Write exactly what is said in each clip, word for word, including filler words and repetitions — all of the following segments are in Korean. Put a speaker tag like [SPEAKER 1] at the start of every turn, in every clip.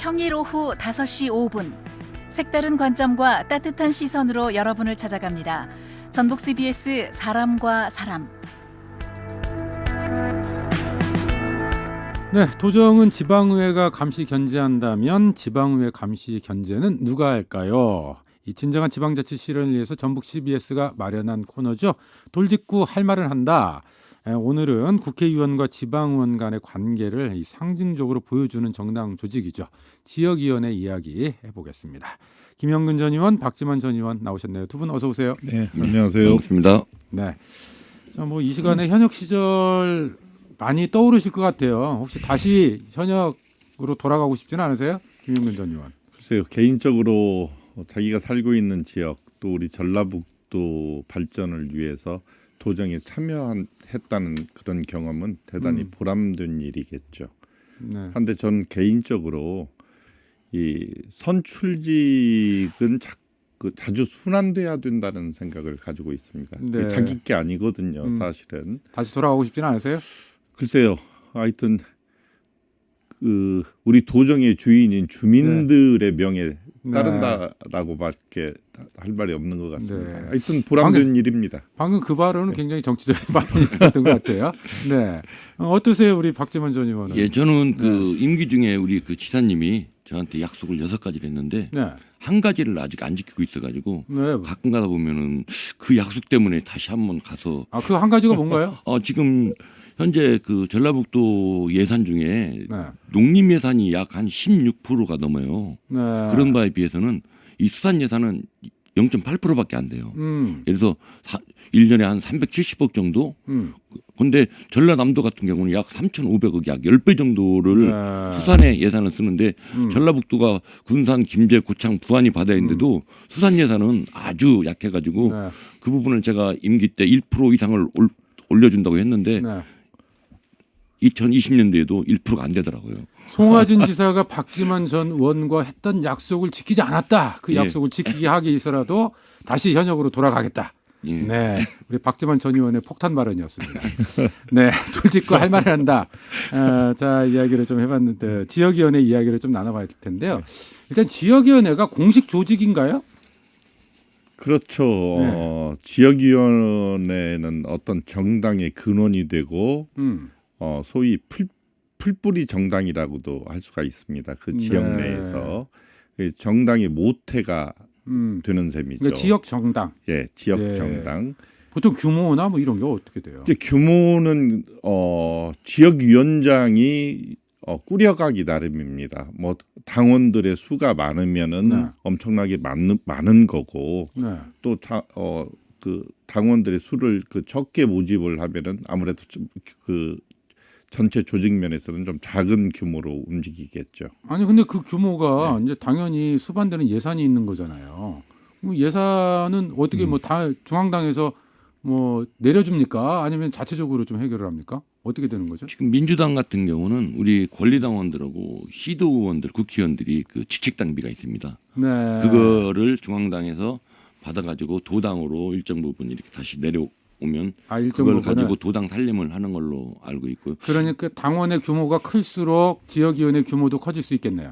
[SPEAKER 1] 평일 오후 다섯 시 오 분 색다른 관점과 따뜻한 시선으로 여러분을 찾아갑니다. 전북 씨비에스 사람과 사람.
[SPEAKER 2] 네, 도정은 지방의회가 감시 견제한다면 지방의회 감시 견제는 누가 할까요? 이 진정한 지방자치 실현을 위해서 전북 씨비에스가 마련한 코너죠. 돌직구 할 말을 한다. 오늘은 국회의원과 지방의원 간의 관계를 이 상징적으로 보여주는 정당 조직이죠. 지역위원회 이야기 해보겠습니다. 김영근 전 의원, 박지만 전 의원 나오셨네요. 두 분 어서 오세요.
[SPEAKER 3] 네, 안녕하세요.
[SPEAKER 4] 반갑습니다.
[SPEAKER 2] 네. 자, 뭐 이 시간에 현역 시절 많이 떠오르실 것 같아요. 혹시 다시 현역으로 돌아가고 싶지는 않으세요? 김영근 전 의원.
[SPEAKER 3] 글쎄요, 개인적으로 자기가 살고 있는 지역 또 우리 전라북도 발전을 위해서 도정에 참여했다는 그런 경험은 대단히
[SPEAKER 2] 음.
[SPEAKER 3] 보람된 일이겠죠.
[SPEAKER 2] 네.
[SPEAKER 3] 한데 전 개인적으로 이 선출직은 자, 그 자주 순환돼야 된다는 생각을 가지고 있습니다.
[SPEAKER 2] 네.
[SPEAKER 3] 그게 자기 게 아니거든요,
[SPEAKER 2] 음.
[SPEAKER 3] 사실은.
[SPEAKER 2] 다시 돌아가고 싶지는 않으세요?
[SPEAKER 3] 글쎄요, 하여튼 그 우리 도정의 주인인 주민들의 명예
[SPEAKER 2] 네.
[SPEAKER 3] 따른다라고밖에 할 말이 없는 것 같습니다.
[SPEAKER 2] 네.
[SPEAKER 3] 하여튼 보람된
[SPEAKER 2] 방금,
[SPEAKER 3] 일입니다.
[SPEAKER 2] 방금 그 발언은 굉장히 정치적인 발언이었던 것 같아요. 네, 어, 어떠세요, 우리 박지만 전 의원은?
[SPEAKER 4] 예, 저는 그 임기 중에 우리 그 지사님이 저한테 약속을 여섯 가지를 했는데
[SPEAKER 2] 네,
[SPEAKER 4] 한 가지를 아직 안 지키고 있어가지고
[SPEAKER 2] 네.
[SPEAKER 4] 가끔 가다 보면은 그 약속 때문에 다시 한번 가서
[SPEAKER 2] 아, 그 한 가지가 뭔가요?
[SPEAKER 4] 어 지금 현재 그 전라북도 예산 중에
[SPEAKER 2] 네,
[SPEAKER 4] 농림 예산이 약 한 십육 퍼센트가 넘어요.
[SPEAKER 2] 네.
[SPEAKER 4] 그런 바에 비해서는 이 수산 예산은 영 점 팔 퍼센트밖에 안 돼요.
[SPEAKER 2] 음,
[SPEAKER 4] 예를 들어서 사, 일 년에 한 삼백칠십억 정도.
[SPEAKER 2] 음,
[SPEAKER 4] 근데 전라남도 같은 경우는 약 삼천오백억, 약 십 배 정도를
[SPEAKER 2] 네.
[SPEAKER 4] 수산에 예산을 쓰는데
[SPEAKER 2] 음.
[SPEAKER 4] 전라북도가 군산, 김제, 고창, 부안이 바다에 있는데도 수산 예산은 아주 약해가지고
[SPEAKER 2] 네.
[SPEAKER 4] 그 부분을 제가 임기 때 일 퍼센트 이상을 올, 올려준다고 했는데
[SPEAKER 2] 네.
[SPEAKER 4] 이천이십 년도에도 일 퍼센트가 안 되더라고요.
[SPEAKER 2] 송하진 지사가 박지만 전 의원과 했던 약속을 지키지 않았다. 그
[SPEAKER 4] 예.
[SPEAKER 2] 약속을 지키게 하기 위해서라도 다시 현역으로 돌아가겠다.
[SPEAKER 4] 예.
[SPEAKER 2] 네, 우리 박지만 전 의원의 폭탄 발언이었습니다. 네, 돌직구 할 말을 한다. 어, 자, 이야기를 좀 해봤는데 지역위원회 이야기를 좀 나눠봐야 될 텐데요. 일단 지역위원회가 공식 조직인가요?
[SPEAKER 3] 그렇죠.
[SPEAKER 2] 네.
[SPEAKER 3] 어, 지역위원회는 어떤 정당의 근원이 되고
[SPEAKER 2] 음,
[SPEAKER 3] 어, 소위 풀, 풀뿌리 정당이라고도 할 수가 있습니다. 그 지역
[SPEAKER 2] 네.
[SPEAKER 3] 내에서 그 정당의 모태가
[SPEAKER 2] 음.
[SPEAKER 3] 되는 셈이죠.
[SPEAKER 2] 그러니까 지역 정당.
[SPEAKER 3] 예, 지역
[SPEAKER 2] 네.
[SPEAKER 3] 정당.
[SPEAKER 2] 보통 규모나 뭐 이런 게 어떻게 돼요?
[SPEAKER 3] 이제 규모는 어, 지역위원장이 어, 꾸려가기 나름입니다. 뭐 당원들의 수가 많으면은
[SPEAKER 2] 네.
[SPEAKER 3] 엄청나게 많은 많은 거고
[SPEAKER 2] 네.
[SPEAKER 3] 또 자, 어, 그 당원들의 수를 그 적게 모집을 하면은 아무래도 좀 그 전체 조직 면에서는 좀 작은 규모로 움직이겠죠.
[SPEAKER 2] 아니 근데 그 규모가
[SPEAKER 3] 네.
[SPEAKER 2] 이제 당연히 수반되는 예산이 있는 거잖아요. 그럼 예산은 어떻게
[SPEAKER 3] 음.
[SPEAKER 2] 뭐 다 중앙당에서 뭐 내려줍니까? 아니면 자체적으로 좀 해결을 합니까? 어떻게 되는 거죠?
[SPEAKER 4] 지금 민주당 같은 경우는 우리 권리당원들하고 시도 의원들, 국회의원들이 그 직책당비가 있습니다.
[SPEAKER 2] 네.
[SPEAKER 4] 그거를 중앙당에서 받아가지고 도당으로 일정 부분 이렇게 다시 내려오면
[SPEAKER 2] 아, 일정
[SPEAKER 4] 그걸
[SPEAKER 2] 부분을.
[SPEAKER 4] 가지고 도당 살림을 하는 걸로 알고 있고요.
[SPEAKER 2] 그러니까 당원의 규모가 클수록 지역위원회 규모도 커질 수 있겠네요.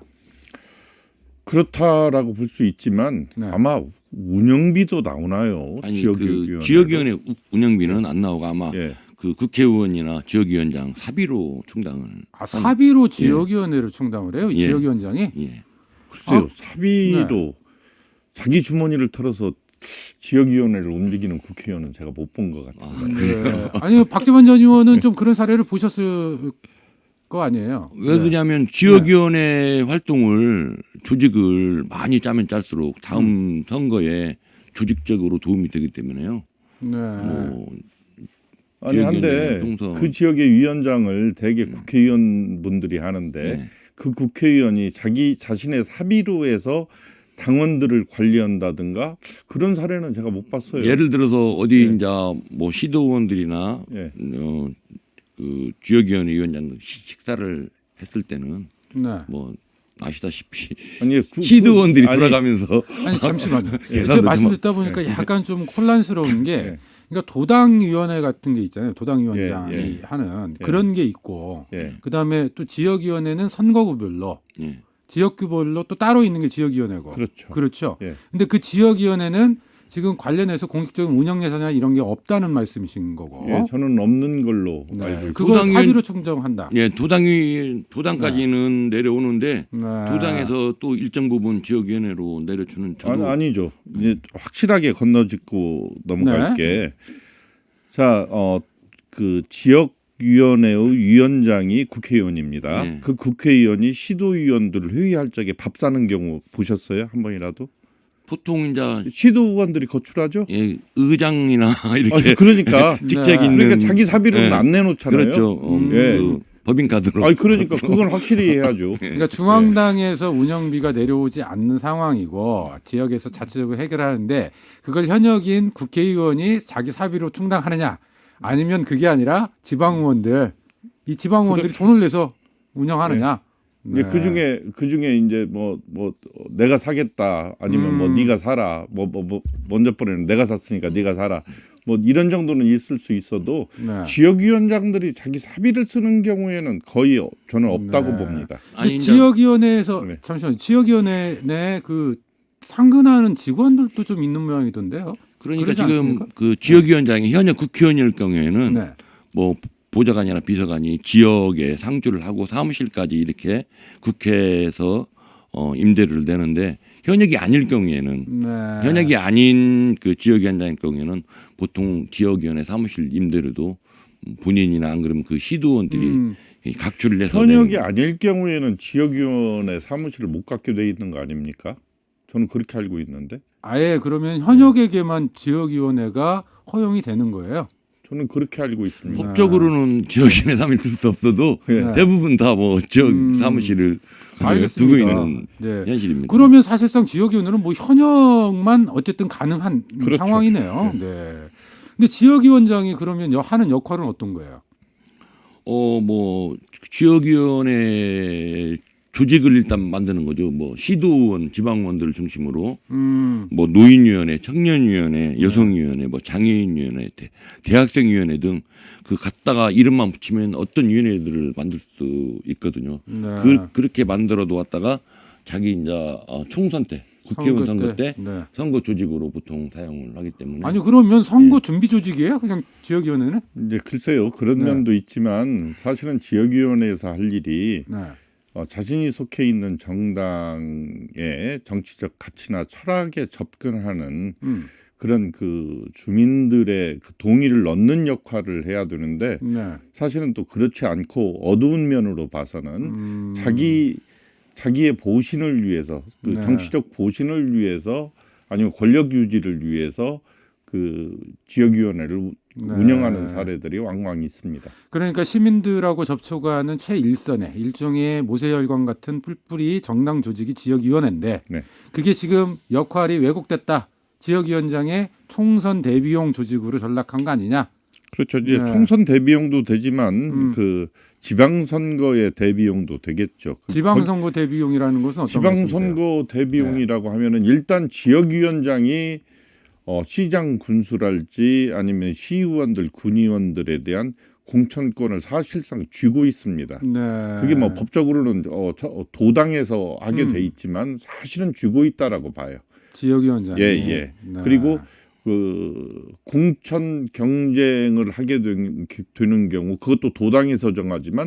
[SPEAKER 3] 그렇다라고 볼 수 있지만
[SPEAKER 2] 네.
[SPEAKER 3] 아마 운영비도 나오나요?
[SPEAKER 4] 아니
[SPEAKER 3] 지역위원회.
[SPEAKER 4] 그 지역위원회 우- 운영비는 안 나오고 아마
[SPEAKER 3] 예.
[SPEAKER 4] 그 국회의원이나 지역위원장 사비로 충당을
[SPEAKER 2] 아, 사비로 지역위원회를 충당을 해요? 이
[SPEAKER 4] 예.
[SPEAKER 2] 지역위원장이?
[SPEAKER 4] 예.
[SPEAKER 3] 글쎄요.
[SPEAKER 2] 어?
[SPEAKER 3] 사비로 자기 주머니를 털어서 지역위원회를 움직이는 국회의원은 제가 못 본 것 같은데.
[SPEAKER 2] 네. 아니 박지만 전 의원은 좀 그런 사례를 보셨을 거 아니에요?
[SPEAKER 4] 왜
[SPEAKER 2] 네.
[SPEAKER 4] 그러냐면 지역위원회 활동을 조직을 많이 짜면 짤수록 다음
[SPEAKER 2] 음.
[SPEAKER 4] 선거에 조직적으로 도움이 되기 때문에요.
[SPEAKER 2] 네.
[SPEAKER 4] 뭐
[SPEAKER 3] 아니 한데
[SPEAKER 4] 지역위원회 동선.
[SPEAKER 3] 그 지역의 위원장을 대개 국회의원분들이 하는데
[SPEAKER 4] 네.
[SPEAKER 3] 그 국회의원이 자기 자신의 사비로 해서 당원들을 관리한다든가 그런 사례는 제가 못 봤어요.
[SPEAKER 4] 예를 들어서 어디
[SPEAKER 3] 네.
[SPEAKER 4] 이제 뭐 시도원들이나
[SPEAKER 3] 예.
[SPEAKER 4] 어, 그 지역위원회 위원장 식사를 했을 때는
[SPEAKER 2] 네.
[SPEAKER 4] 뭐 아시다시피
[SPEAKER 3] 아니 그,
[SPEAKER 4] 시도원들이
[SPEAKER 3] 그- 아니,
[SPEAKER 4] 돌아가면서
[SPEAKER 2] 아니 잠시만요.
[SPEAKER 4] 계산도
[SPEAKER 2] 제가 말씀
[SPEAKER 4] 좀-
[SPEAKER 2] 듣다 보니까 약간 좀 혼란스러운 게
[SPEAKER 3] 예.
[SPEAKER 2] 그러니까 도당위원회 같은 게 있잖아요. 도당위원장이
[SPEAKER 3] 예, 예.
[SPEAKER 2] 하는
[SPEAKER 3] 예.
[SPEAKER 2] 그런 게 있고
[SPEAKER 3] 예.
[SPEAKER 2] 그다음에 또 지역위원회는 선거구별로
[SPEAKER 4] 예.
[SPEAKER 2] 지역구별로 또 따로 있는 게 지역위원회고.
[SPEAKER 3] 그렇죠.
[SPEAKER 2] 그렇죠.
[SPEAKER 3] 예.
[SPEAKER 2] 근데 그 지역위원회는 지금 관련해서 공식적인 운영 예산이나 이런 게 없다는 말씀이신 거고.
[SPEAKER 3] 예, 저는 없는 걸로
[SPEAKER 2] 네.
[SPEAKER 3] 알고 있습니다.
[SPEAKER 2] 그걸
[SPEAKER 4] 도당위원-
[SPEAKER 2] 사비로 충정한다.
[SPEAKER 4] 예, 도당이 도당까지는 내려오는데
[SPEAKER 2] 네.
[SPEAKER 4] 도당에서 또 일정 부분 지역위원회로 내려주는 저도
[SPEAKER 3] 아니, 아니죠. 이제 확실하게 건너짓고 넘어갈게. 자, 어, 그 지역위원회의 위원장이 국회의원입니다.
[SPEAKER 4] 네.
[SPEAKER 3] 그 국회의원이 시도위원들을 회의할 적에 밥 사는 경우 보셨어요? 한 번이라도?
[SPEAKER 4] 보통 이제
[SPEAKER 3] 시도의원들이 거출하죠?
[SPEAKER 4] 예, 의장이나 이렇게
[SPEAKER 3] 아니, 그러니까
[SPEAKER 4] 직책
[SPEAKER 2] 네.
[SPEAKER 4] 있는
[SPEAKER 3] 그러니까 자기 사비로는
[SPEAKER 4] 예.
[SPEAKER 3] 안 내놓잖아요.
[SPEAKER 4] 그렇죠. 어,
[SPEAKER 2] 음.
[SPEAKER 3] 예.
[SPEAKER 4] 그 법인카드로.
[SPEAKER 3] 아니 그러니까 그건 확실히 해야죠.
[SPEAKER 2] 그러니까 중앙당에서 운영비가 내려오지 않는 상황이고 지역에서 자체적으로 해결하는데 그걸 현역인 국회의원이 자기 사비로 충당하느냐 아니면 그게 아니라 지방의원들 이 지방의원들이 돈을 내서 운영하느냐.
[SPEAKER 3] 이제 그 중에 그 중에 이제 뭐 뭐 내가 사겠다 아니면 뭐
[SPEAKER 2] 음.
[SPEAKER 3] 네가 사라 뭐 뭐 뭐 먼저 번에는 내가 샀으니까 네가 사라 뭐 이런 정도는 있을 수 있어도
[SPEAKER 2] 네.
[SPEAKER 3] 지역위원장들이 자기 사비를 쓰는 경우에는 거의 저는 없다고
[SPEAKER 2] 네.
[SPEAKER 3] 봅니다.
[SPEAKER 2] 근데
[SPEAKER 4] 아니, 이제
[SPEAKER 2] 지역위원회에서
[SPEAKER 3] 네.
[SPEAKER 2] 잠시만 지역위원회 내 그 상근하는 직원들도 좀 있는 모양이던데요.
[SPEAKER 4] 그러니까
[SPEAKER 2] 그러지
[SPEAKER 4] 지금
[SPEAKER 2] 않습니까?
[SPEAKER 4] 그 지역위원장이 현역 국회의원일 경우에는
[SPEAKER 2] 네.
[SPEAKER 4] 뭐 보좌관이나 비서관이 지역에 상주를 하고 사무실까지 이렇게 국회에서 어, 임대료를 내는데 현역이 아닐 경우에는
[SPEAKER 2] 네.
[SPEAKER 4] 현역이 아닌 그 지역위원장일 경우에는 보통 지역위원회 사무실 임대료도 본인이나 안 그러면 그 시도원들이
[SPEAKER 2] 음.
[SPEAKER 4] 각주를 내서
[SPEAKER 3] 현역이
[SPEAKER 4] 내는
[SPEAKER 3] 아닐 경우에는 지역위원회 사무실을 못 갖게 돼 있는 거 아닙니까? 저는 그렇게 알고 있는데
[SPEAKER 2] 아예 그러면 현역에게만 지역위원회가 허용이 되는 거예요.
[SPEAKER 3] 저는 그렇게 알고 있습니다.
[SPEAKER 4] 법적으로는 지역위원회 사무실 쓸 수 없어도
[SPEAKER 3] 네.
[SPEAKER 4] 대부분 다 뭐 지역
[SPEAKER 2] 음.
[SPEAKER 4] 사무실을
[SPEAKER 2] 알겠습니다.
[SPEAKER 4] 두고 있는
[SPEAKER 2] 네.
[SPEAKER 4] 현실입니다.
[SPEAKER 2] 그러면 사실상 지역위원회는 뭐 현역만 어쨌든 가능한
[SPEAKER 3] 그렇죠.
[SPEAKER 2] 상황이네요. 네. 근데 지역위원장이 그러면 여- 하는 역할은 어떤 거예요?
[SPEAKER 4] 어 뭐 지역위원회 조직을 일단 만드는 거죠. 뭐 시도원, 지방원들을 중심으로
[SPEAKER 2] 음.
[SPEAKER 4] 뭐 노인위원회, 청년위원회, 여성위원회, 뭐 장애인위원회, 대, 대학생위원회 등 그 갖다가 이름만 붙이면 어떤 위원회들을 만들 수 있거든요.
[SPEAKER 2] 네.
[SPEAKER 4] 그 그렇게 만들어 놓았다가 자기 이제 어, 총선 때 국회의원 선거 때,
[SPEAKER 2] 네.
[SPEAKER 4] 선거 조직으로 보통 사용을 하기 때문에
[SPEAKER 2] 아니 그러면 선거
[SPEAKER 4] 예.
[SPEAKER 2] 준비 조직이에요? 그냥 지역위원회는?
[SPEAKER 3] 이제 글쎄요 그런
[SPEAKER 2] 네.
[SPEAKER 3] 면도 있지만 사실은 지역위원회에서 할 일이
[SPEAKER 2] 네.
[SPEAKER 3] 어, 자신이 속해 있는 정당의 정치적 가치나 철학에 접근하는
[SPEAKER 2] 음.
[SPEAKER 3] 그런 그 주민들의 그 동의를 얻는 역할을 해야 되는데
[SPEAKER 2] 네.
[SPEAKER 3] 사실은 또 그렇지 않고 어두운 면으로 봐서는
[SPEAKER 2] 음.
[SPEAKER 3] 자기 자기의 보신을 위해서 그
[SPEAKER 2] 네.
[SPEAKER 3] 정치적 보신을 위해서 아니면 권력 유지를 위해서 그 지역위원회를
[SPEAKER 2] 네.
[SPEAKER 3] 운영하는 사례들이 왕왕 있습니다.
[SPEAKER 2] 그러니까 시민들하고 접촉하는 최일선의 일종의 모세혈관 같은 뿔뿔이 정당 조직이 지역위원회인데
[SPEAKER 3] 네.
[SPEAKER 2] 그게 지금 역할이 왜곡됐다. 지역위원장의 총선 대비용 조직으로 전락한 거 아니냐?
[SPEAKER 3] 그렇죠. 이제
[SPEAKER 2] 네.
[SPEAKER 3] 총선 대비용도 되지만
[SPEAKER 2] 음.
[SPEAKER 3] 그 지방선거의 대비용도 되겠죠. 그
[SPEAKER 2] 지방선거 대비용이라는 것은 어떤 말씀이세요?
[SPEAKER 3] 지방선거 대비용이라고 하면은 일단 지역위원장이 어, 시장 군수랄지 아니면 시의원들, 군의원들에 대한 공천권을 사실상 쥐고 있습니다.
[SPEAKER 2] 네.
[SPEAKER 3] 그게 뭐 법적으로는 어, 저, 어, 도당에서 하게
[SPEAKER 2] 음.
[SPEAKER 3] 돼 있지만 사실은 쥐고 있다라고 봐요.
[SPEAKER 2] 지역위원장이.
[SPEAKER 3] 예, 예.
[SPEAKER 2] 네.
[SPEAKER 3] 그리고 그 공천 경쟁을 하게 된, 되는 경우 그것도 도당에서 정하지만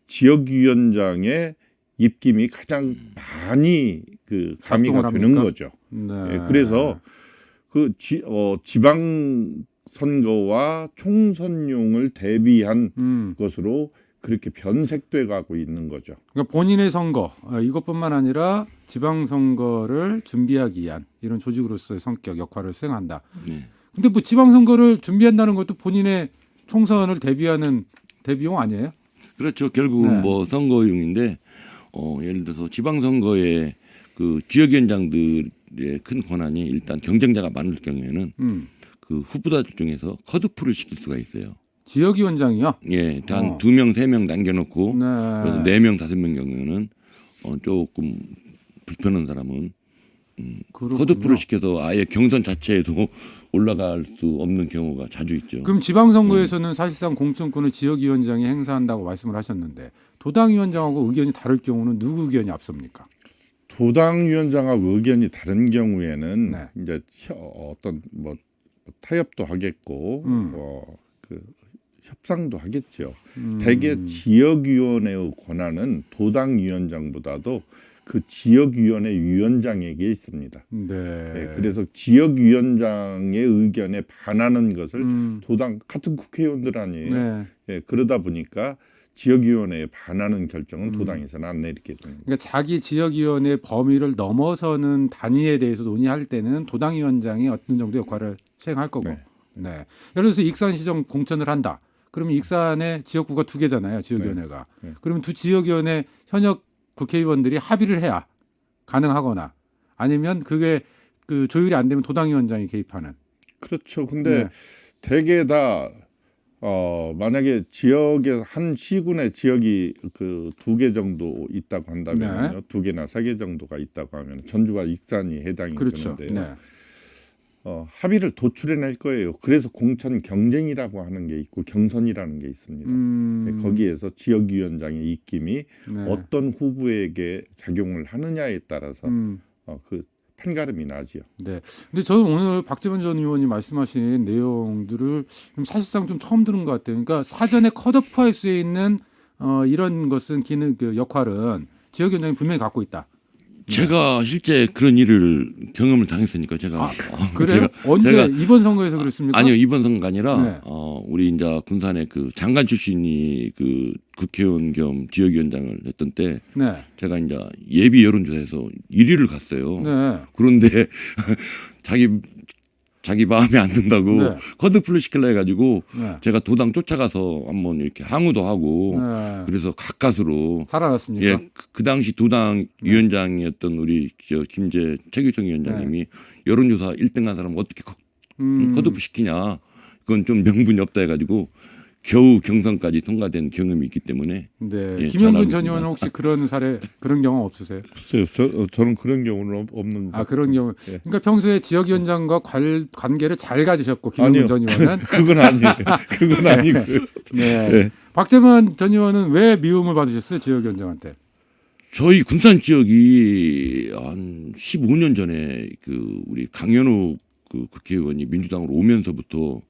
[SPEAKER 3] 지역위원장의 입김이 가장 많이 그 가미가
[SPEAKER 2] 작동을
[SPEAKER 3] 되는
[SPEAKER 2] 합니까?
[SPEAKER 3] 거죠.
[SPEAKER 2] 네.
[SPEAKER 3] 예, 그래서 그 지, 어, 지방 선거와 총선용을 대비한
[SPEAKER 2] 음.
[SPEAKER 3] 것으로 그렇게 변색돼 가고 있는 거죠.
[SPEAKER 2] 그러니까 본인의 선거 어, 이것뿐만 아니라 지방선거를 준비하기 위한 이런 조직으로서의 성격 역할을 수행한다.
[SPEAKER 4] 네.
[SPEAKER 2] 근데 뭐 지방선거를 준비한다는 것도 본인의 총선을 대비하는 대비용 아니에요?
[SPEAKER 4] 그렇죠. 결국은
[SPEAKER 2] 네.
[SPEAKER 4] 뭐 선거용인데 어, 예를 들어서 지방선거에 그 지역위원장들의 큰 권한이 일단 경쟁자가 많을 경우에는
[SPEAKER 2] 음.
[SPEAKER 4] 그 후보자들 중에서 컷오프를 시킬 수가 있어요.
[SPEAKER 2] 지역위원장이요?
[SPEAKER 4] 예, 단
[SPEAKER 2] 어.
[SPEAKER 4] 두 명, 세 명 남겨놓고
[SPEAKER 2] 네.
[SPEAKER 4] 그래서 네 명, 다섯 명 경우에는 어, 조금 불편한 사람은
[SPEAKER 2] 그렇군요.
[SPEAKER 4] 컷오프를 시켜서 아예 경선 자체에도 올라갈 수 없는 경우가 자주 있죠.
[SPEAKER 2] 그럼 지방선거에서는 사실상 공천권을 지역위원장이 행사한다고 말씀을 하셨는데 도당위원장하고 의견이 다를 경우는 누구 의견이 앞섭니까?
[SPEAKER 3] 도당위원장하고 의견이 다른 경우에는
[SPEAKER 2] 네.
[SPEAKER 3] 이제 혀- 어떤 뭐 타협도 하겠고
[SPEAKER 2] 음.
[SPEAKER 3] 어, 그 협상도 하겠죠.
[SPEAKER 2] 음.
[SPEAKER 3] 대개 지역위원회의 권한은 도당위원장보다도 그 지역위원회 위원장에게 있습니다.
[SPEAKER 2] 네.
[SPEAKER 3] 예, 그래서 지역위원장의 의견에 반하는 것을
[SPEAKER 2] 음.
[SPEAKER 3] 도당 같은 국회의원들 아니에요.
[SPEAKER 2] 네.
[SPEAKER 3] 예, 그러다 보니까 지역위원회에 반하는 결정은
[SPEAKER 2] 음.
[SPEAKER 3] 도당에서는 안 내리게 됩니다.
[SPEAKER 2] 그러니까 자기 지역위원회 범위를 넘어서는 단위에 대해서 논의할 때는 도당위원장이 어떤 정도 역할을 수행할 거고. 네.
[SPEAKER 3] 네.
[SPEAKER 2] 예를 들어서 익산시정 공천을 한다. 그러면 익산의 지역구가 두 개잖아요. 지역위원회가.
[SPEAKER 3] 네. 네.
[SPEAKER 2] 그러면 두 지역위원회 현역 국회의원들이 합의를 해야 가능하거나 아니면 그게 그 조율이 안 되면 도당위원장이 개입하는.
[SPEAKER 3] 그렇죠. 근데
[SPEAKER 2] 네.
[SPEAKER 3] 대개 다 어, 만약에 지역에 한 시군의 지역이 그 두 개 정도 있다고 한다면요,
[SPEAKER 2] 네.
[SPEAKER 3] 두 개나 세 개 정도가 있다고 하면 전주와 익산이 해당이
[SPEAKER 2] 그렇죠.
[SPEAKER 3] 되는데요.
[SPEAKER 2] 네.
[SPEAKER 3] 어, 합의를 도출해낼 거예요. 그래서 공천 경쟁이라고 하는 게 있고 경선이라는 게 있습니다.
[SPEAKER 2] 음.
[SPEAKER 3] 거기에서 지역위원장의 입김이
[SPEAKER 2] 네.
[SPEAKER 3] 어떤 후보에게 작용을 하느냐에 따라서
[SPEAKER 2] 음.
[SPEAKER 3] 어, 그 판가름이 나죠.
[SPEAKER 2] 네. 근데 저는 오늘 박재원 전 의원이 말씀하신 내용들을 좀 사실상 좀 처음 들은 것 같아요. 그러니까 사전에 컷오프할 수 있는 어, 이런 것은 기능 그 역할은 지역위원장이 분명히 갖고 있다.
[SPEAKER 4] 제가 실제 그런 일을 경험을 당했으니까 제가 어,
[SPEAKER 2] 그래요?
[SPEAKER 4] 제가-
[SPEAKER 2] 언제
[SPEAKER 4] 제가
[SPEAKER 2] 이번 선거에서 그랬습니까?
[SPEAKER 4] 아니요 이번 선거가 아니라
[SPEAKER 2] 네.
[SPEAKER 4] 어, 우리 이제 군산의 그 장관 출신이 그 국회의원 겸 지역위원장을 했던 때
[SPEAKER 2] 네.
[SPEAKER 4] 제가 이제 예비 여론조사에서 일 위를 갔어요.
[SPEAKER 2] 네.
[SPEAKER 4] 그런데 자기 자기 마음에 안 든다고
[SPEAKER 2] 네.
[SPEAKER 4] 커드플을 시키려 해가지고
[SPEAKER 2] 네.
[SPEAKER 4] 제가 도당 쫓아가서 한번 이렇게 항의도 하고
[SPEAKER 2] 네.
[SPEAKER 4] 그래서 가까스로
[SPEAKER 2] 살아났습니까?
[SPEAKER 4] 예, 그, 그 당시 도당 위원장이었던 우리 저 김재 최규성 위원장님이 여론조사 일 등한 사람 어떻게 커,
[SPEAKER 2] 음.
[SPEAKER 4] 컷오프 시키냐 그건 좀 명분이 없다 해가지고 겨우 경선까지 통과된 경험이 있기 때문에
[SPEAKER 2] 네.
[SPEAKER 4] 예,
[SPEAKER 2] 김영근
[SPEAKER 4] 잘 알고
[SPEAKER 2] 전
[SPEAKER 4] 있습니다.
[SPEAKER 2] 의원은 혹시 그런 사례 그런 경험 없으세요?
[SPEAKER 3] 글쎄요, 저, 어, 저는 그런 경우는 없- 없는 것
[SPEAKER 2] 아 그런 경우.
[SPEAKER 3] 예.
[SPEAKER 2] 그러니까 평소에 지역위원장과 관, 관계를 잘 가지셨고 김영근
[SPEAKER 3] 아니요.
[SPEAKER 2] 전 의원은
[SPEAKER 3] 그건 아니에요. 그건 아니고.
[SPEAKER 2] 네.
[SPEAKER 3] 네.
[SPEAKER 2] 박재만 전 의원은 왜 미움을 받으셨어요 지역위원장한테?
[SPEAKER 4] 저희 군산 지역이 한 십오 년 전에 그 우리 강현우 그 국회의원이 민주당으로 오면서부터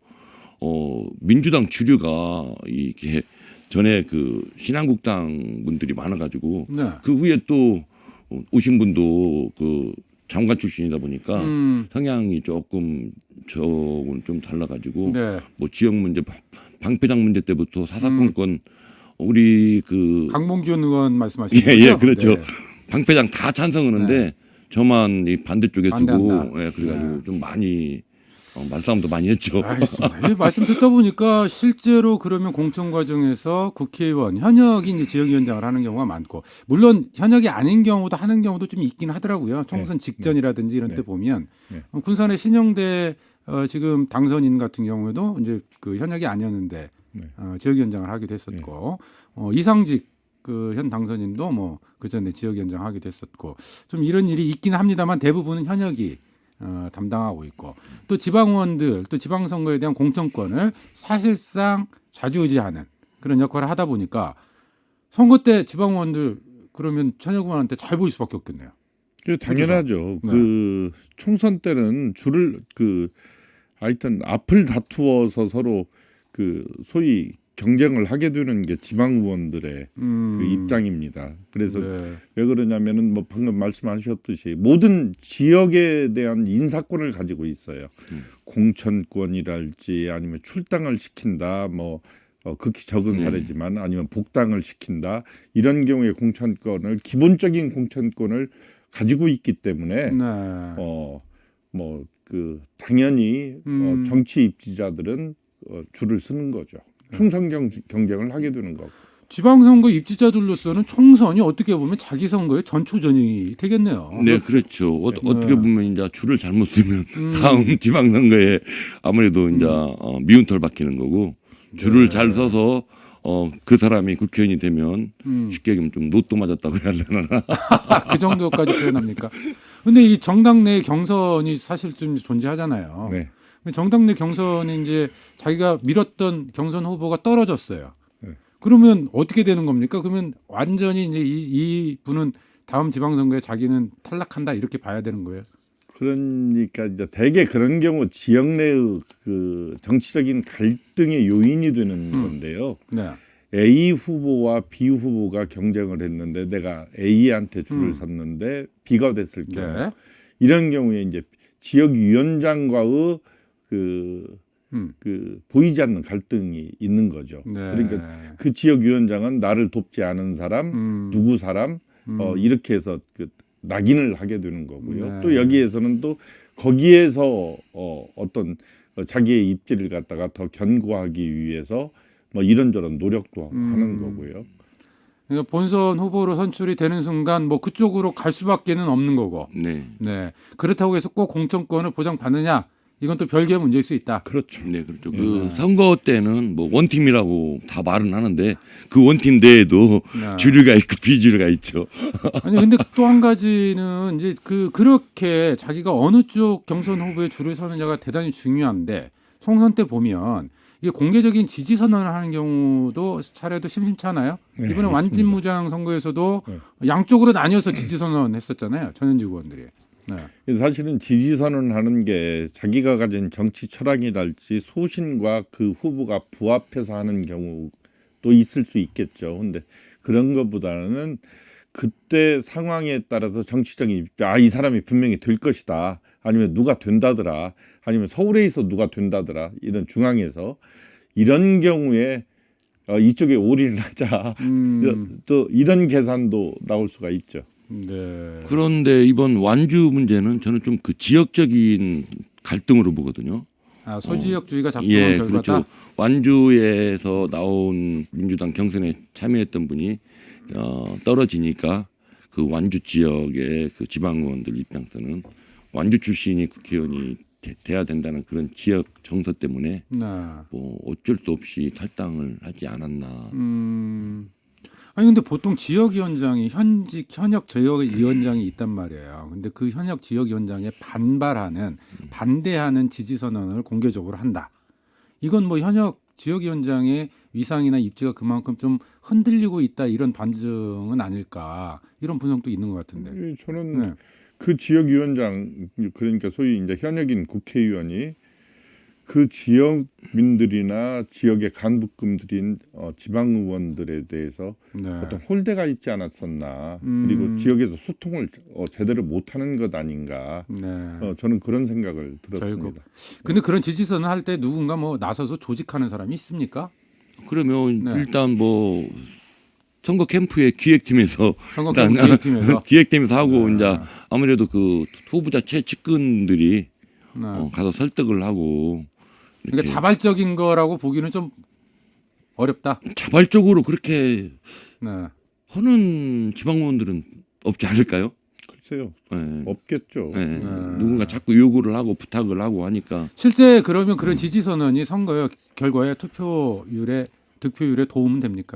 [SPEAKER 4] 어 민주당 주류가 이게 전에 그 신한국당 분들이 많아가지고
[SPEAKER 2] 네.
[SPEAKER 4] 그 후에 또 오신 분도 그 장관 출신이다 보니까
[SPEAKER 2] 음.
[SPEAKER 4] 성향이 조금 저는 좀 달라가지고
[SPEAKER 2] 네.
[SPEAKER 4] 뭐 지역 문제 방패장 문제 때부터 사사건건 우리 그
[SPEAKER 2] 강봉준 의원 말씀하시는
[SPEAKER 4] 예,
[SPEAKER 2] 거죠?
[SPEAKER 4] 예, 그렇죠.
[SPEAKER 2] 네.
[SPEAKER 4] 방패장 다 찬성하는데
[SPEAKER 2] 네.
[SPEAKER 4] 저만 이 반대쪽에 쓰고
[SPEAKER 2] 반대한다.
[SPEAKER 4] 예, 그래가지고
[SPEAKER 2] 네.
[SPEAKER 4] 좀 많이 어, 말싸움도 많이 했죠.
[SPEAKER 2] 알겠습니다. 예, 말씀 듣다 보니까 실제로 그러면 공천 과정에서 국회의원 현역이 이제 지역위원장을 하는 경우가 많고 물론 현역이 아닌 경우도 하는 경우도 좀 있긴 하더라고요. 총선 직전이라든지 이런
[SPEAKER 3] 네.
[SPEAKER 2] 때 보면
[SPEAKER 3] 네.
[SPEAKER 2] 어, 군산의 신영대 어, 지금 당선인 같은 경우에도 이제 그 현역이 아니었는데
[SPEAKER 3] 네.
[SPEAKER 2] 어, 지역위원장을 하기도 했었고 어, 이상직 그 현 당선인도 뭐 그전에 지역위원장 하기도 했었고 좀 이런 일이 있긴 합니다만 대부분은 현역이 어, 담당하고 있고 또 지방의원들 또 지방선거에 대한 공천권을 사실상 좌지우지하는 그런 역할을 하다 보니까 선거 때 지방의원들 그러면 현역 의원한테 잘 보일 수밖에 없겠네요.
[SPEAKER 3] 그 당연하죠.
[SPEAKER 2] 네.
[SPEAKER 3] 그 총선 때는 줄을 그 하여튼 앞을 다투어서 서로 그 소위 경쟁을 하게 되는 게 지방 의원들의
[SPEAKER 2] 음,
[SPEAKER 3] 그 입장입니다. 그래서
[SPEAKER 2] 네.
[SPEAKER 3] 왜 그러냐면은 뭐 방금 말씀하셨듯이 모든 지역에 대한 인사권을 가지고 있어요.
[SPEAKER 4] 음.
[SPEAKER 3] 공천권이랄지 아니면 출당을 시킨다 뭐 어, 극히 적은
[SPEAKER 4] 네.
[SPEAKER 3] 사례지만 아니면 복당을 시킨다 이런 경우에 공천권을 기본적인 공천권을 가지고 있기 때문에
[SPEAKER 2] 네.
[SPEAKER 3] 어 뭐 그 당연히
[SPEAKER 2] 음.
[SPEAKER 3] 어, 정치 입지자들은 어, 줄을 서는 거죠. 충성 경, 경쟁을 하게 되는 거고.
[SPEAKER 2] 지방선거 입지자들로서는 총선이 어떻게 보면 자기 선거의 전초전이 되겠네요.
[SPEAKER 4] 네, 그렇죠. 어, 어떻게 보면 이제 줄을 잘못 쓰면
[SPEAKER 2] 음.
[SPEAKER 4] 다음 지방선거에 아무래도 이제 어, 미운 털 박히는 거고 줄을
[SPEAKER 2] 네.
[SPEAKER 4] 잘 서서 어, 그 사람이 국회의원이 되면
[SPEAKER 2] 음.
[SPEAKER 4] 쉽게 얘기하면 좀 로또 맞았다고 해야 되나.
[SPEAKER 2] 그 정도까지 표현합니까? 근데 이 정당 내 경선이 사실 좀 존재하잖아요.
[SPEAKER 3] 네.
[SPEAKER 2] 정당 내 경선이 이제 자기가 밀었던 경선 후보가 떨어졌어요.
[SPEAKER 3] 네.
[SPEAKER 2] 그러면 어떻게 되는 겁니까? 그러면 완전히 이제 이, 이 분은 다음 지방선거에 자기는 탈락한다 이렇게 봐야 되는 거예요.
[SPEAKER 3] 그러니까 이제 대개 그런 경우 지역 내의 그 정치적인 갈등의 요인이 되는
[SPEAKER 2] 음.
[SPEAKER 3] 건데요.
[SPEAKER 2] 네.
[SPEAKER 3] A 후보와 B 후보가 경쟁을 했는데 내가 A한테 줄을
[SPEAKER 2] 음.
[SPEAKER 3] 섰는데 B가 됐을 경우
[SPEAKER 2] 네.
[SPEAKER 3] 이런 경우에 이제 지역 위원장과의 그,
[SPEAKER 2] 음.
[SPEAKER 3] 그 보이지 않는 갈등이 있는 거죠.
[SPEAKER 2] 네.
[SPEAKER 3] 그러니까 그 지역 위원장은 나를 돕지 않은 사람,
[SPEAKER 2] 음.
[SPEAKER 3] 누구 사람
[SPEAKER 2] 음.
[SPEAKER 3] 어, 이렇게 해서 그 낙인을 하게 되는 거고요.
[SPEAKER 2] 네.
[SPEAKER 3] 또 여기에서는 또 거기에서 어, 어떤 자기의 입지를 갖다가 더 견고하기 위해서 뭐 이런저런 노력도
[SPEAKER 2] 음.
[SPEAKER 3] 하는 거고요.
[SPEAKER 2] 그러니까 본선 후보로 선출이 되는 순간 뭐 그쪽으로 갈 수밖에는 없는 거고.
[SPEAKER 4] 네.
[SPEAKER 2] 네. 그렇다고 해서 꼭 공천권을 보장받느냐? 이건 또 별개의 문제일 수 있다.
[SPEAKER 3] 그렇죠.
[SPEAKER 4] 네, 그렇죠. 그 선거 때는 뭐 원팀이라고 다 말은 하는데 그 원팀 내에도
[SPEAKER 2] 네.
[SPEAKER 4] 주류가 있고 비주류가 있죠.
[SPEAKER 2] 아니 근데 또 한 가지는 이제 그 그렇게 자기가 어느 쪽 경선 후보에 줄을 서느냐가 대단히 중요한데 총선 때 보면 이게 공개적인 지지 선언을 하는 경우도 차례도 심심찮아요.
[SPEAKER 3] 네,
[SPEAKER 2] 이번에
[SPEAKER 3] 맞습니다.
[SPEAKER 2] 완진무장 선거에서도
[SPEAKER 3] 네.
[SPEAKER 2] 양쪽으로 나뉘어서 지지 선언했었잖아요. 전현직 의원들이. 네.
[SPEAKER 3] 그래서 사실은 지지 선언하는 게 자기가 가진 정치 철학이랄지 소신과 그 후보가 부합해서 하는 경우도 있을 수 있겠죠. 근데 그런 것보다는 그때 상황에 따라서 정치적인 입장, 아, 이 사람이 분명히 될 것이다. 아니면 누가 된다더라. 아니면 서울에 있어 누가 된다더라. 이런 중앙에서 이런 경우에 어, 이쪽에 올인을 하자.
[SPEAKER 2] 음.
[SPEAKER 3] 또 이런 계산도 나올 수가 있죠.
[SPEAKER 2] 네.
[SPEAKER 4] 그런데 이번 완주 문제는 저는 좀 그 지역적인 갈등으로 보거든요.
[SPEAKER 2] 아, 소지역주의가 작동한
[SPEAKER 4] 예,
[SPEAKER 2] 결과다.
[SPEAKER 4] 그렇죠. 완주에서 나온 민주당 경선에 참여했던 분이 어, 떨어지니까 그 완주 지역의 그 지방의원들 입장에서는 완주 출신이 국회의원이 돼, 돼야 된다는 그런 지역 정서 때문에
[SPEAKER 2] 네.
[SPEAKER 4] 뭐 어쩔 수 없이 탈당을 하지 않았나.
[SPEAKER 2] 음. 아니 근데 보통 지역위원장이 현직 현역 지역위원장이 있단 말이에요. 근데 그 현역 지역위원장에 반발하는 반대하는 지지 선언을 공개적으로 한다. 이건 뭐 현역 지역위원장의 위상이나 입지가 그만큼 좀 흔들리고 있다 이런 반증은 아닐까 이런 분석도 있는 것 같은데.
[SPEAKER 3] 예, 저는
[SPEAKER 2] 네.
[SPEAKER 3] 그 지역위원장 그러니까 소위 이제 현역인 국회의원이 그 지역민들이나 지역의 간부급들인 어, 지방의원들에 대해서
[SPEAKER 2] 네.
[SPEAKER 3] 어떤 홀대가 있지 않았었나
[SPEAKER 2] 음.
[SPEAKER 3] 그리고 지역에서 소통을 어, 제대로 못하는 것 아닌가
[SPEAKER 2] 네.
[SPEAKER 3] 어, 저는 그런 생각을 들었습니다.
[SPEAKER 2] 결국. 근데 그런 지지 선언 할 때 누군가 뭐 나서서 조직하는 사람이 있습니까?
[SPEAKER 4] 그러면
[SPEAKER 2] 네.
[SPEAKER 4] 일단 뭐 선거 캠프의 기획팀에서
[SPEAKER 2] 선거
[SPEAKER 4] 일단
[SPEAKER 2] 캠프 기획팀에서.
[SPEAKER 4] 기획팀에서 하고
[SPEAKER 2] 네.
[SPEAKER 4] 이제 아무래도 그 후보자 최측근들이
[SPEAKER 2] 네.
[SPEAKER 4] 어, 가서 설득을 하고 이렇게
[SPEAKER 2] 그러니까 자발적인 거라고 보기는 좀 어렵다.
[SPEAKER 4] 자발적으로 그렇게
[SPEAKER 2] 네.
[SPEAKER 4] 하는 지방의원들은 없지 않을까요?
[SPEAKER 3] 글쎄요.
[SPEAKER 4] 예.
[SPEAKER 3] 없겠죠.
[SPEAKER 4] 예.
[SPEAKER 2] 네.
[SPEAKER 4] 누군가 자꾸 요구를 하고 부탁을 하고 하니까
[SPEAKER 2] 실제 그러면 그런 지지 선언이 선거 결과에 투표율에 득표율에 도움은 됩니까?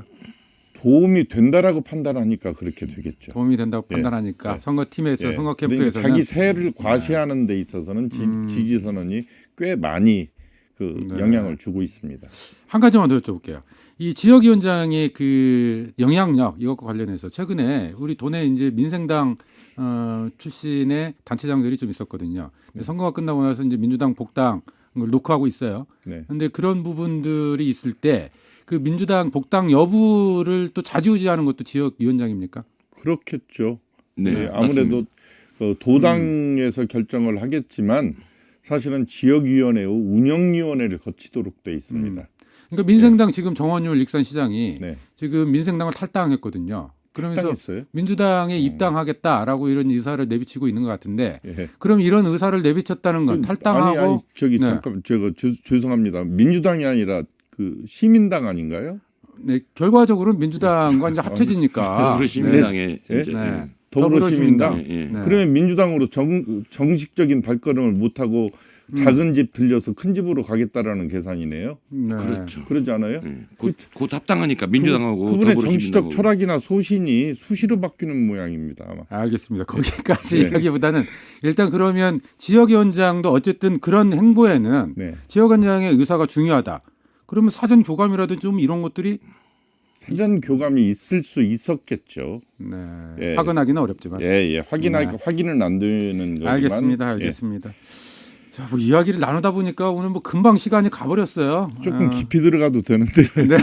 [SPEAKER 3] 도움이 된다라고 판단하니까 그렇게 되겠죠.
[SPEAKER 2] 도움이 된다고
[SPEAKER 3] 예.
[SPEAKER 2] 판단하니까
[SPEAKER 3] 예.
[SPEAKER 2] 선거팀에서
[SPEAKER 3] 예.
[SPEAKER 2] 선거
[SPEAKER 3] 그러니까
[SPEAKER 2] 캠프에서는
[SPEAKER 3] 자기 세를 과시하는 데 있어서는 지,
[SPEAKER 2] 음.
[SPEAKER 3] 지지 선언이 꽤 많이 그
[SPEAKER 2] 네.
[SPEAKER 3] 영향을 주고 있습니다.
[SPEAKER 2] 한 가지만 더 여쭤볼게요. 이 지역위원장의 그 영향력 이것과 관련해서 최근에 우리 도내 이제 민생당 어, 출신의 단체장들이 좀 있었거든요. 근데 선거가 끝나고 나서 이제 민주당 복당을 놓고 하고 있어요.
[SPEAKER 3] 네.
[SPEAKER 2] 그런데 그런 부분들이 있을 때 그 민주당 복당 여부를 또 좌지우지하는 것도 지역위원장입니까?
[SPEAKER 3] 그렇겠죠.
[SPEAKER 4] 네,
[SPEAKER 3] 네, 아무래도 어, 도당에서
[SPEAKER 2] 음.
[SPEAKER 3] 결정을 하겠지만 사실은 지역위원회의 운영위원회를 거치도록 돼 있습니다.
[SPEAKER 2] 그러니까 민생당 지금 정원율 익산시장이
[SPEAKER 3] 네.
[SPEAKER 2] 지금 민생당을 탈당했거든요. 그러면서
[SPEAKER 3] 탈당했어요?
[SPEAKER 2] 민주당에 입당하겠다라고 이런 의사를 내비치고 있는 것 같은데
[SPEAKER 3] 예.
[SPEAKER 2] 그럼 이런 의사를 내비쳤다는 건
[SPEAKER 3] 그,
[SPEAKER 2] 탈당하고
[SPEAKER 3] 아니, 아니 저기
[SPEAKER 2] 네.
[SPEAKER 3] 잠깐 제가 죄, 죄송합니다. 민주당이 아니라 그 시민당 아닌가요?
[SPEAKER 2] 네, 결과적으로 민주당과 이제 합쳐지니까
[SPEAKER 4] 더불어시민당의
[SPEAKER 3] 네.
[SPEAKER 4] 이제
[SPEAKER 2] 네.
[SPEAKER 3] 더불어시민당.
[SPEAKER 4] 예, 예.
[SPEAKER 2] 네.
[SPEAKER 3] 그러면 민주당으로 정, 정식적인 발걸음을 못하고 작은 집 들려서 큰 집으로 가겠다라는 계산이네요.
[SPEAKER 2] 네.
[SPEAKER 4] 그렇죠.
[SPEAKER 3] 그러지 않아요?
[SPEAKER 4] 예. 곧, 곧 합당하니까 민주당하고
[SPEAKER 3] 그분의
[SPEAKER 4] 더불어시민당하고
[SPEAKER 3] 정치적 철학이나 소신이 수시로 바뀌는 모양입니다. 아마.
[SPEAKER 2] 알겠습니다. 거기까지
[SPEAKER 3] 네.
[SPEAKER 2] 이야기보다는 일단 그러면 지역위원장도 어쨌든 그런 행보에는
[SPEAKER 3] 네.
[SPEAKER 2] 지역위원장의 의사가 중요하다. 그러면 사전 교감이라도 좀 이런 것들이
[SPEAKER 3] 사전 교감이 있을 수 있었겠죠.
[SPEAKER 2] 네.
[SPEAKER 3] 예.
[SPEAKER 2] 확인하기는 어렵지만.
[SPEAKER 3] 예, 예. 확인하
[SPEAKER 2] 네.
[SPEAKER 3] 확인은 안 되는 거지만.
[SPEAKER 2] 알겠습니다. 알겠습니다. 자, 뭐 이야기를 나누다 보니까 오늘 뭐 금방 시간이 가버렸어요.
[SPEAKER 3] 예. 조금
[SPEAKER 2] 어,
[SPEAKER 3] 깊이 들어가도 되는데.
[SPEAKER 2] 네.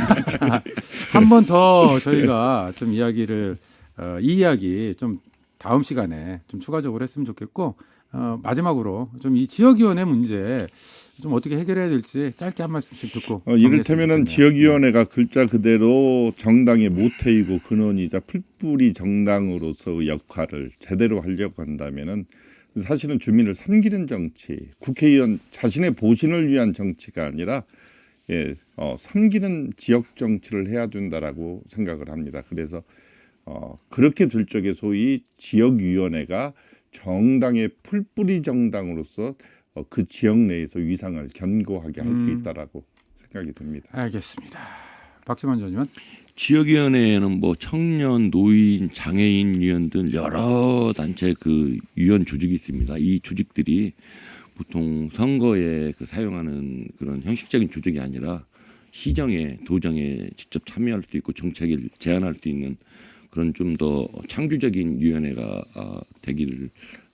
[SPEAKER 2] 한 번 더 저희가 좀 이야기를 어, 이 이야기 좀 다음 시간에 좀 추가적으로 했으면 좋겠고 어, 마지막으로 좀 이 지역위원회 문제 좀 어떻게 해결해야 될지 짧게 한 말씀씩 듣고
[SPEAKER 3] 어, 이를테면은
[SPEAKER 2] 정리했으면 좋겠네요.
[SPEAKER 3] 지역위원회가 글자 그대로 정당의 모태이고 근원이자 풀뿌리 정당으로서 역할을 제대로 하려고 한다면은 사실은 주민을 섬기는 정치, 국회의원 자신의 보신을 위한 정치가 아니라 예, 어, 섬기는 지역 정치를 해야 된다라고 생각을 합니다. 그래서 어, 그렇게 될 적에 소위 지역위원회가 정당의 풀뿌리 정당으로서 어, 그 지역 내에서 위상을 견고하게 할 수
[SPEAKER 2] 음.
[SPEAKER 3] 있다라고 생각이 듭니다.
[SPEAKER 2] 알겠습니다. 박지만 전 의원.
[SPEAKER 4] 지역위원회에는 뭐 청년, 노인, 장애인 위원 등 여러 단체 그 위원 조직이 있습니다. 이 조직들이 보통 선거에 그 사용하는 그런 형식적인 조직이 아니라 시정에 도정에 직접 참여할 수 있고 정책을 제안할 수 있는 그런 좀 더 창조적인 위원회가 어, 되기를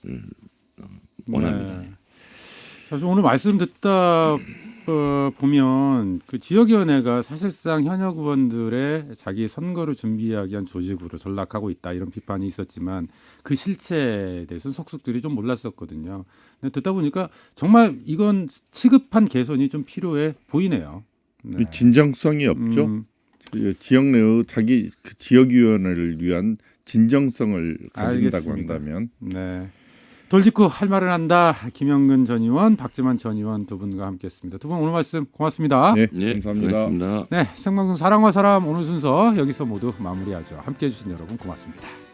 [SPEAKER 4] 어, 원합니다.
[SPEAKER 2] 네. 사실 오늘 말씀 듣다 어, 보면 그 지역위원회가 사실상 현역 의원들의 자기 선거를 준비하기 위한 조직으로 전락하고 있다 이런 비판이 있었지만 그 실체에 대해서는 속속들이 좀 몰랐었거든요. 근데 듣다 보니까 정말 이건 시급한 개선이 좀 필요해 보이네요. 네.
[SPEAKER 3] 이 진정성이 없죠.
[SPEAKER 2] 음,
[SPEAKER 3] 지역 내의 자기 그 지역위원회를 위한 진정성을 가진다고
[SPEAKER 2] 알겠습니다.
[SPEAKER 3] 한다면
[SPEAKER 2] 네. 돌직구 할 말을 한다. 김영근 전 의원, 박지만 전 의원 두 분과 함께했습니다. 두 분 오늘 말씀 고맙습니다.
[SPEAKER 3] 네,
[SPEAKER 4] 네,
[SPEAKER 3] 감사합니다.
[SPEAKER 4] 고맙습니다.
[SPEAKER 2] 네, 생방송 사랑과 사람 오늘 순서 여기서 모두 마무리하죠. 함께해 주신 여러분 고맙습니다.